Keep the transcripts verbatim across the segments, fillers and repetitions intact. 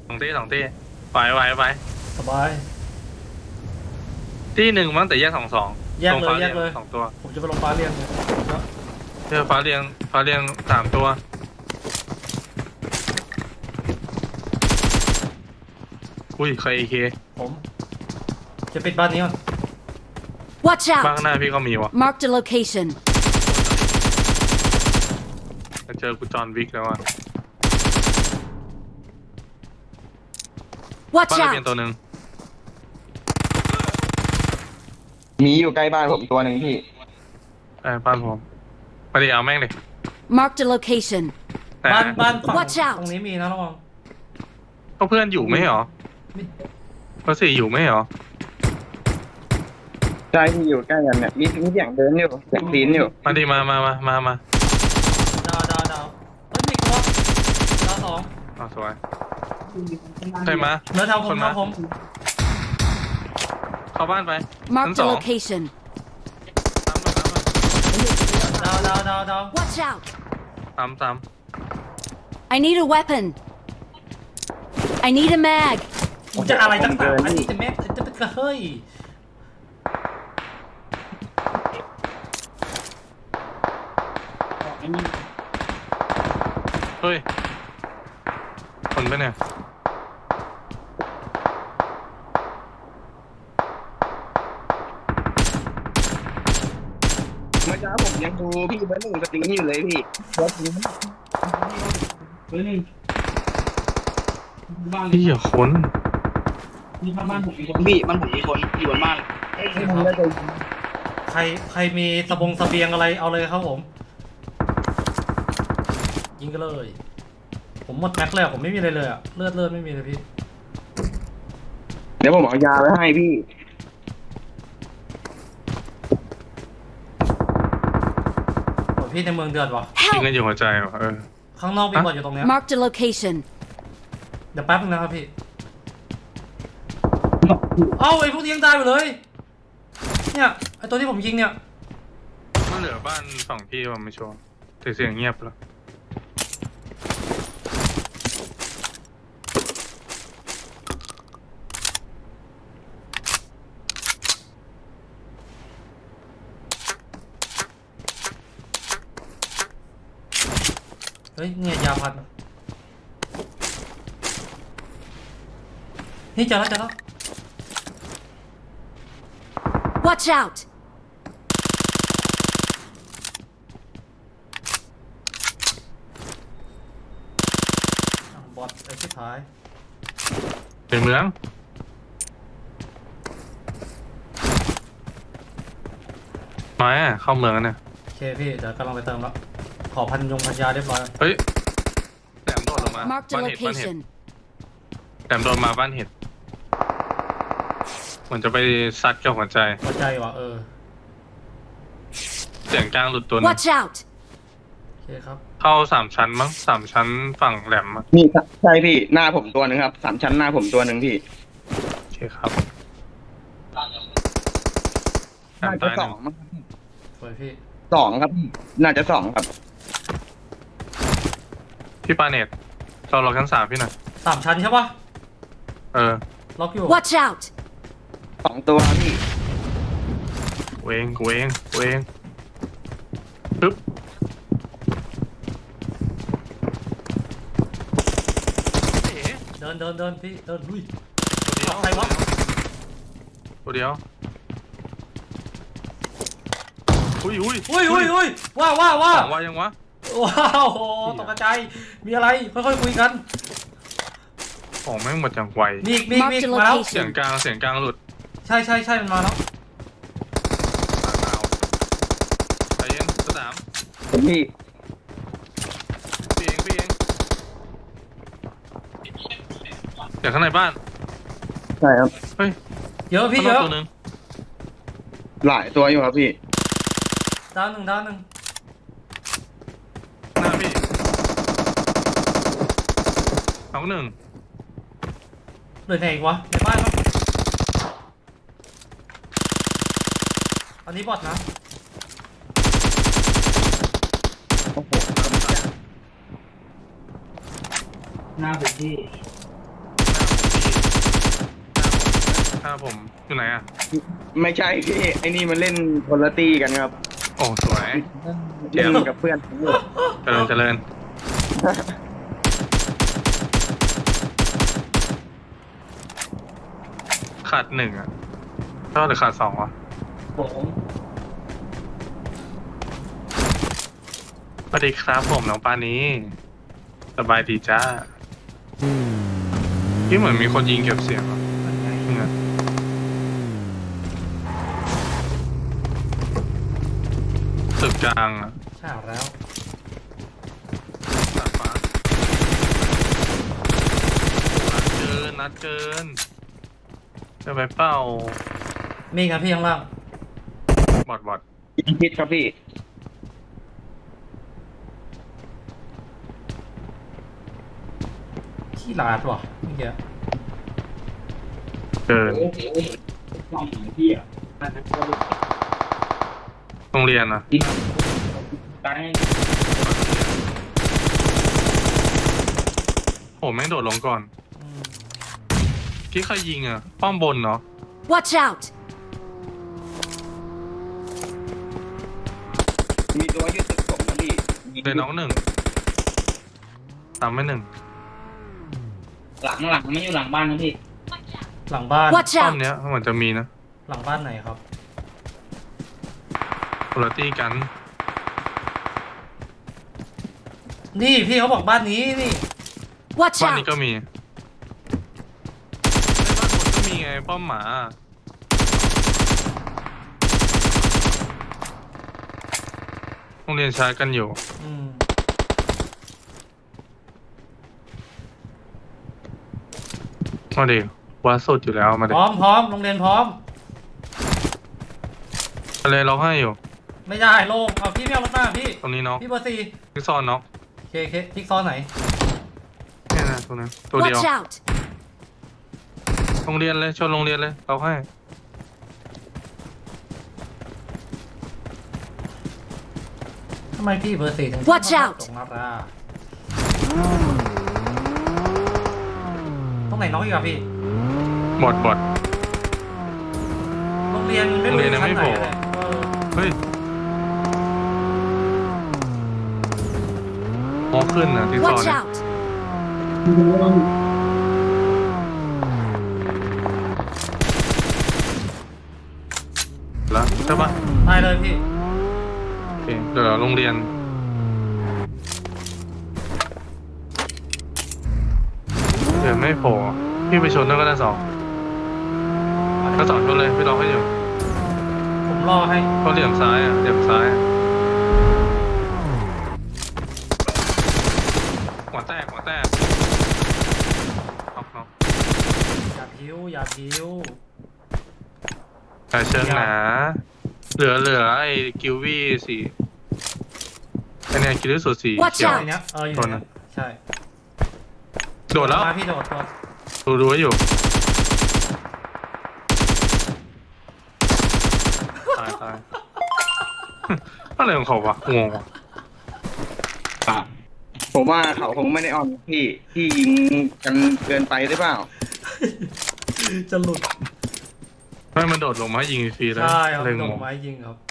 สองตีสองตีไปไปไปสบายที่หนึ่งมั้งแต่แยกสองสองแยกเลยแยกเลยสองตัวผมจะไปลงฟ้าเรียงเจอฟ้าเรียงฟ้าเรียงสามตัวอุ้ยใครเอเคผมจะปิดบ้านนี้ก่อน Watch บ้านข้างหน้า out! พี่ก็มีวะ Marked a location. จะเจอกูจอห์นวิกแล้วอ่ะ Watch บ้านระเบียง out! ตัวหนึ่งมีอยู่ใกล้บ้านผมตัวหนึ่งพี่ไอ้บ้านผมไปดิเอาแม่งดิ Marked a location. แต่บ้านบ้านฝั่ง Watch out ตรงนี้มีนะระวังก็เพื่อนอยู่ไม่เหรอเพื่อนสี่อยู่ไม่เหรอใช่ที่อยู่ใกล้กันเนี่ยมีมีเสียงเดินอยู่เสียงปีนอยู่มาดิมามามามามาดาวดาวดาวเฮ้ยมีตัวดาวสองอ๋อสวยใครมาเนื้อเท้าผคมนเท้าผมเข้าบ้านไป Marked a location. ตามมาตามมาดาวดาวดาวดาว Watch out! ตามตาม I need a weapon. I need a mag. ผมจะอะไรตั้งแต่อันนี้จะแม่จะเป็นกระเฮ้ยเฮ้ยคนไปเนี่ยเมื่อเช้าผมยังดูพี่เบอร์หนึ่งสตรีมอยู่เลยพี่เบอร์หนึ่งเบอร์หนึ่งบ้านพี่อย่าค้นนี่บ้านผมมีคนพี่บ้านผมมีคนอยู่บนบ้านให้ผมได้ใจใครใครมีสบงเสบียงอะไรเอาเลยครับผมยิงกันเลยผมหมดแม็กเลยผมไม่มีอะไรเลยอะเลือดเลือดไม่มีเลยพี่เดี๋ยวผมเอายาไว้ให้พี่โอ้ยพี่ในเมืองเดือดวะยิง Help! กันอยู่หัวใจวะเออข้างนอกมีบอดอยู่ตรงเนี้ย Marked a location. เดี๋ยวแป๊บนึงนะครับพี่เอ้าไอ้พวกนี้ยังตายไปเลยเนี่ยไอ้ตัวที่ผมยิงเนี่ยมันเหลือบ้านฝั่งพี่ว่าไม่ชัวร์แต่เสียงเงียบแล้วเฮ้ยเนี่ยยาพันนี่เจอแล้วเจอแล้ว Watch out! อ่ะบอดไอ้ที่ท้ายในเมืองมาอ่ะเข้าเมืองแล้วเนี่ยโอเคพี่เดี๋ยวกำลังไปเติมแล้วขอพันยงพันยาเรียบร้อยเฮ้ยแหลมโดดลงมา Marked a บ้านเห็ดบ้านเห็ด location. แหลมโดดมาบ้านเห็ดเหมือนจะไปซัดกับหัวใจหัวใจว่ะเออเสียงกลางหลุดตัวหนึง Watch out! โอเคครับเข้าสามชั้นมั้งสามชั้นฝั่งแหลมอะนี่ใช่พี่หน้าผมตัวหนึ่งครับสามชั้นหน้าผมตัวหนึ่งพี่โอเคครับแหลน่าม จะตายสหอนึ่งงมั้งสวยพี่สองครับพี่น่าจะสองครับพี่ปาเนตเราล็อกชั้นสามพี่หน่อยสามชั้นใช่ปะเออล็อกอยู่ Watch out! สองตัวพี่เวงเวงเวงปึ๊บเดินเดินเดินพี่เดินลุยตัวเดียวใครวะตัวเดียวอุ้ยอุ้ยอุ้ยอุ้ยอุ้ยว้าวว้าวว้าสวองว่ายังวะว้าวโหตกใจมีอะไรค่อยๆคุยกันของแม่งหมดอย่างไวมีอีกมีอีกมีอีกมาแล้วเสียงกลางเสียงกลางหลุดใช่ใช่ใช่มันมาแล้วใจเย็นสนามผมพี่พี่เองพี่เองเดี๋ยวข้างในบ้านใช่ครับเฮ้ยเยอะพี่ข้างเยนอกอะตัวหนึงหลายตัวอยู่ครับพี่ดาวหนึ่งดาวหนึ่งหน้าพี่สองหนึ่งเหลือไหนอีกวะในบ้านมั้งอันนี้บอทนะโอ้โหหน้าผมที่ถ้าผมอยู่ไหนอ่ะไม่ใช่พี่ไอ้นี่มันเล่นคนละตีกันครับโอ้สวยเล่นกับเพื่อนผมอยู่เจริญเจริญขาดหนึ่งอ่ะเท่าหรือขาดสองวะผมสวัสดีครับผมน้องปานี้สบายดีจ้าพี่เหมือนมีคนยิงเก็บเสียงอ่ะเป็นไงเนี่ยตึกกลางอ่ะใช่แล้วดาดฟ้านัดเกินนัดเกินจะไปเป้ามีครับพี่ข้างล่างบอดบอดยิงพิษครับพี่ขี้ลาดว่ะเมื่อกี้เกินลองหาพี่อ่ะโรงเรียนอ่ะตายโอ้แม่งโดดลงก่อนอืมพี่ใครยิงอ่ะป้อมบนเนาะ Watch out! มีตัวยืดตึกผมนะพี่เลยน้องหนึ่งตามไม่หนึ่งหลังหลังไม่อยู่หลังบ้านนะพี่หลังบ้าน Watch ป้อม out! เนี้ยเหมือนจะมีนะหลังบ้านไหนครับคุณตี้กันนี่พี่เขาบอกบ้านนี้นี่ Watch บ้านนี้ out! ก็มีในบ้านคนก็มีไงป้อมหมาโรงเรียนชาร์จกันอยู่อืมมาดิว่าสุดอยู่แล้วมาพดิร้อมพร้อมโรงเรียนพร้อมอะไรร้องให้อยู่ไม่ได้โล่งเอาพี่ไม่เอารถมาพี่ตรงนี้เนาะพี่เบอร์สี่พี่ซอนเนาะเคเคทิกซอนไหนเนี่ยนะตัวนั้นตัวเดียว Watch out! โรงเรียนเลยชนโรงเรียนเลยเราให้ทำไมพี่เบอร์สี่ถึง Watch out ตรงนาราตรงไหนน้องอีกอะพี่บอดบอดโรงเรียนไม่โรงรู้เรียนยังชั้นไม่ไหนโผล่เลยเออเฮ้ยมองขึ้นนะที่ซอน Watch เนี่ย out! แล้วใช่ปะได้เลยพี่โอเคเดี๋ยวโรงเรียนเดี๋ยวไม่โผล่พี่ไปชนด้วยก็ได้สองก็สองชนเลยพี่รอให้อยู่ผมรอให้ก็เหลี่ยมซ้ายอ่ะเหลี่ยมซ้ายอะหัวแตกหัวแตกน็อกน็อกอย่าพิ้วอย่าพิ้วแต่เชิงหนาเหลือเหลือไอ้กิววี่สีไอ้เนี่ยกิววี่สูตรสี Watch เขียว out ไอ้เนี้ยเอออยู่ตัวเนี้นั้ยนใช่โดดแล้วมาพี่โดดตัวดูดูไว้อยู่ตายตาย อะไรของเขาวะงงวะอ่ะผมว่าเขาคงไม่ได้ออนพี่พี่ยิงกันเกินไปหรือเปล่าจะหลุดไม่มันโดดลงมาให้ยิงฟรีแล้วใช่ครับเลยโดงดงไม้ยิงครับ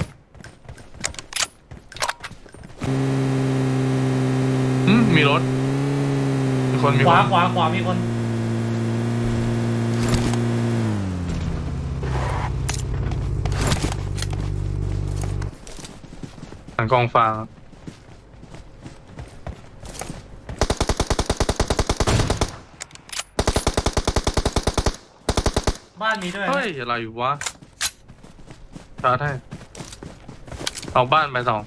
อืมมีรถมีคนมีขควาน ขวาขวามีคนหลังกองฟางบ้านมีด้วยเฮ้ยอะไรวะชาร์จให้เอาบ้านไปสอง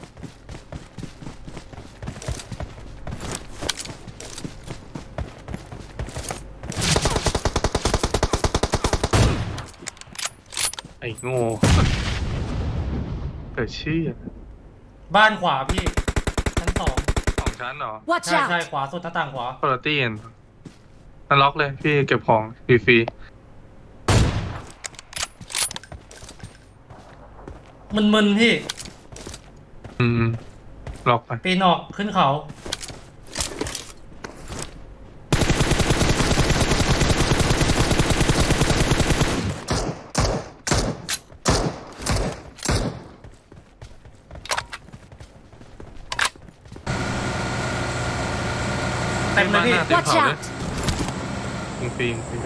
ไอ้โง่เกิดชื่อบ้านขวาพี่ชั้นสองสองชั้นเหรอ Watch ใช่ใช่ out! ขวาสุดหน้าต่างขวาคุณตี้นนั่นล็อกเลยพี่เก็บของฟรีมึนๆพี่ๆอืมล็อกไปปีนออกขึ้นเขาเต็ม Watch เขาเลย out! ยิงฟรียิงฟรี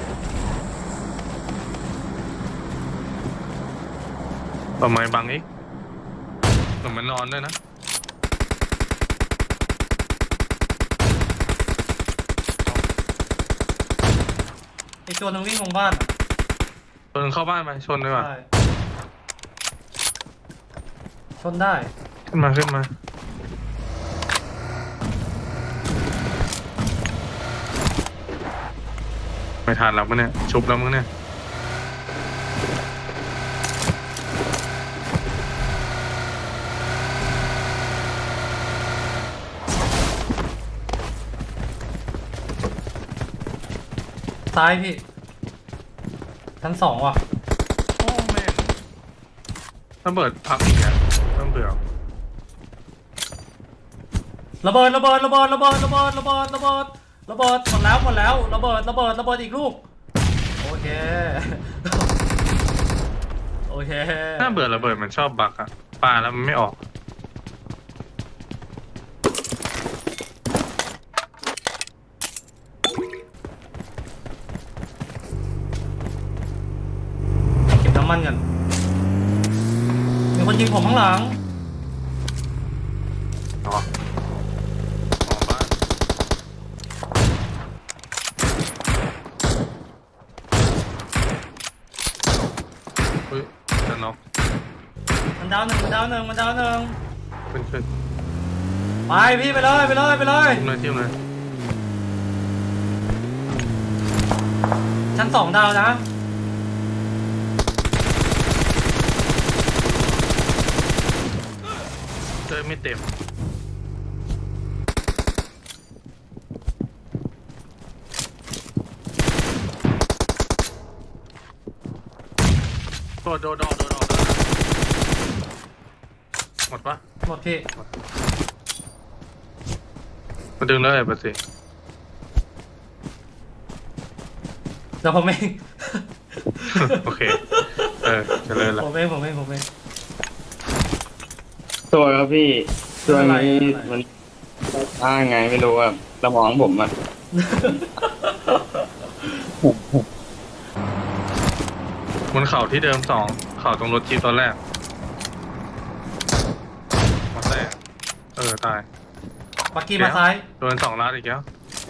ต่อไม้บังอีกเหมือนมันนอนด้วยนะไอตัวนึงวิ่งลงบ้านอะชนเข้าบ้านไปชนเลยว่ะได้ชนได้ขึ้นมาขึ้นมาไม่ทันแล้วมั้งเนี่ยชุบแล้วมั้งเนี่ยซ้ายพี่ชั้นสองว่ะโอ้แม่งระเบิดพักอีกอ่ะต้องเบื่อระเบิดระเบิดระเบิดระเบิดระเบิดระเบิดระเบิดระเบิดหมดแล้วหมดแล้วระเบิดระเบิดระเบิดอีกลูกโอเค โอเคถ้าเบื่อระเบิดมันชอบบักอะปาแล้วมันไม่ออกเก็บน้ำมันกันมีคนยิงผมข้างหลังอ๋อออกบ้านเฮ้ยจะน็อกมันดาวหนึ่งมันดาวหนึ่งมันดาวหนึ่งขึ้นขึ้นไปพี่ไปเลยไปเลยไปเลยทิมเลยทิมเลยชั้นสองดาวนะเจอไม่เต็มโดดโดดโดดโดดโดดหมดปะหมดพี่มาดึงเลยปะสิเดี๋ยวผมเองโอเค เออเจริญละผมเองผมเองผมเองตัวครับพี่ตัวนี้อะไรมันอ้างไงไม่รู้อะสมองผมอะบนเข่าที่เดิมสองเข่าตรงรถจีบตอนแรกหมดแรกเออตายปักกี้มาซ้ายโดนสองนัดอีกแล้ว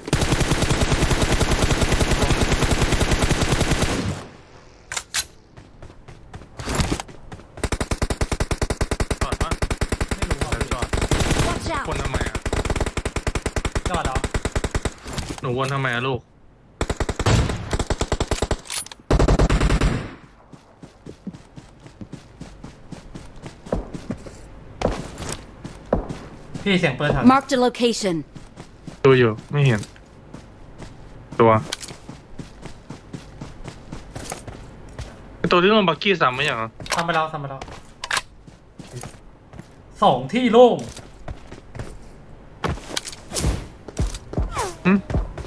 จอดปะไม่รู้อ่ะเดี๋ยวจอด Watch วน out! ทำไมอ่ะจอดเหรอหนูวนทำไมอ่ะลูกพี่เสียงปืนถัง Marked a location. ดูอยู่ไม่เห็น ตัวไอ้ตัวที่โดนบักกี้ซ้ำไหมอย่างอ่ะทำไปแล้วทำไปแล้วสองที่โล่งหึ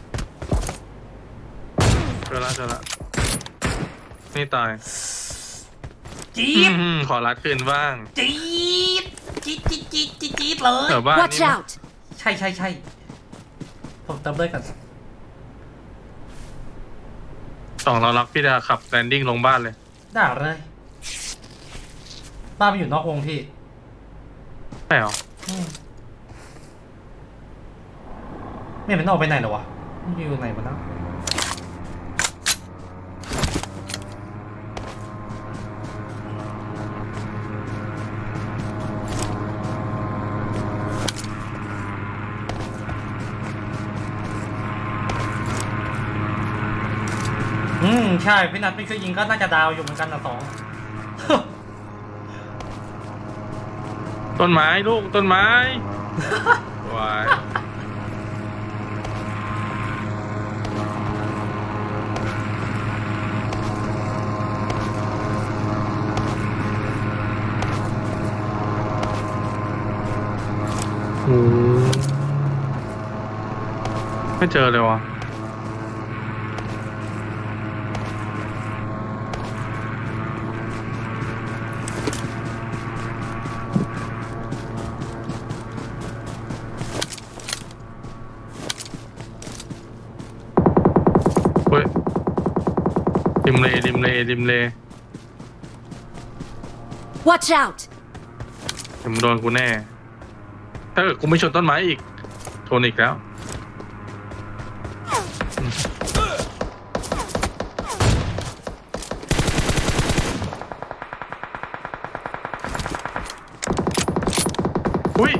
เจอละเจอละนี่ตายจี๊ดอืมขอรัดคืนบ้างจี๊ดจี๊ดจี๊ดจี๊ดจี๊ดจี๊ดเลยแถวบ้าน Watch นี่มั้ย out! ใช่ใช่ใช่ผมเติมเลยกันสองเรารักพี่ดาขับแลนดิ้งลงบ้านเลยด่าเลยบ้านมันอยู่นอกวงพี่ใช่เหรออืมไม่มันออกไปไหนเหรอวะมันอยู่ไหนมาแล้วอืมใช่พี่นัทไม่เคยยิงก็น่าจะดาวอยู่เหมือนกันนะสองต้นไม้ลูกต้นไม้วายโอ้ไม่เจอเลยวะริมเลริมเลริมเล Watch out! เดี๋ยวมึงโดนกูแน่ ถ้าเกิดกูไม่ชนต้นไม้อีกชนอีกแล้วอุ้ย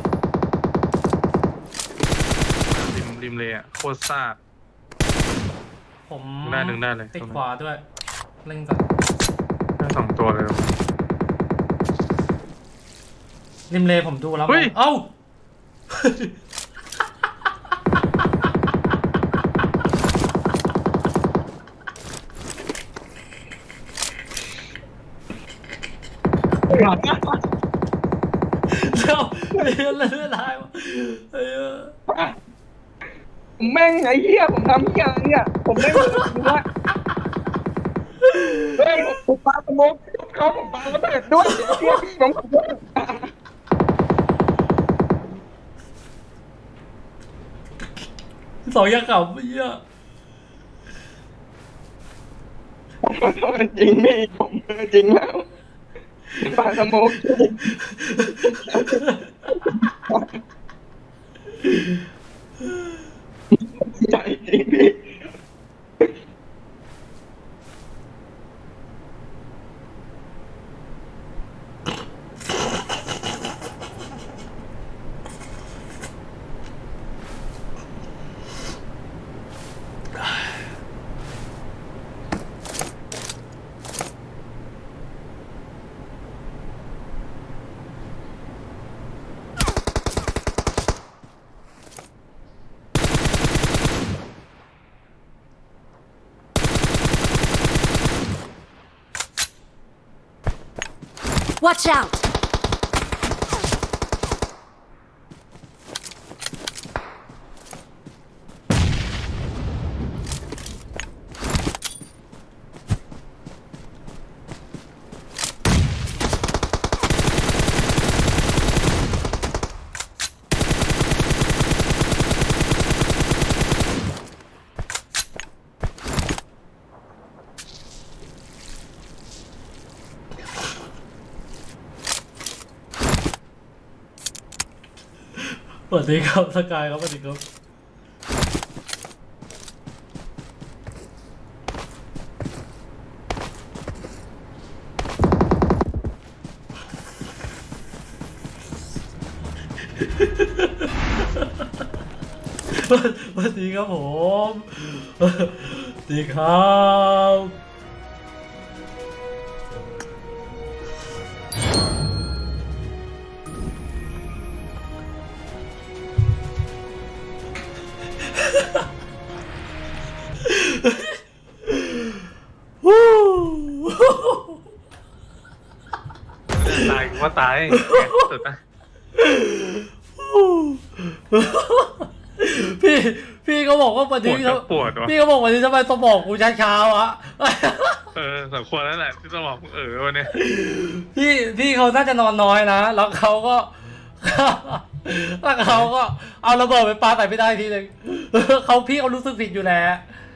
ริมริมเลยอ่ะโคตรซากผมได้หนึ่งได้เลยติดขวาด้วยเล่นก่อนได้สองตัวเลยริมเลผมดูแล้วเฮ้ยเอ้า เจ้าเรียนเลื่อนลายวะเฮ้ยผมแม่งไอ้เหี้ยผมทำเหี้ยอะไรเนี่ยผมแม่งรู้ว่าเฮ้ยผมปาสโมกเขาผมปาระเบิดด้วยเหี้ยพี่ผมขอโทษสองอยางเก่าเหี้ยผมขอโทษจริงพี่ผมเออจริงแล้วปาสโมกใจจริงพี่ Watch out! สวัสดีครับสกายครับสวัสดีครับสวัสดีครับผมสวัสดีครับวู้ตายกูว่าตายสุดนะพี่พี่เขาบอกว่าวันนี้ปวดก็ปวดวะพี่เขาบอกวันนี้ทำไมสมองกูช้าๆวะเออสมควรแล้วแหละที่ต้องบอกเออวันนี้พี่พี่เขาน่าจะนอนน้อยนะแล้วเขาก็ แล้วเขาก็เอาระเบิดไปปาใส่ไม่ได้ทีหนึ่ง เขาพี่เขารู้สึกผิดอยู่แหละ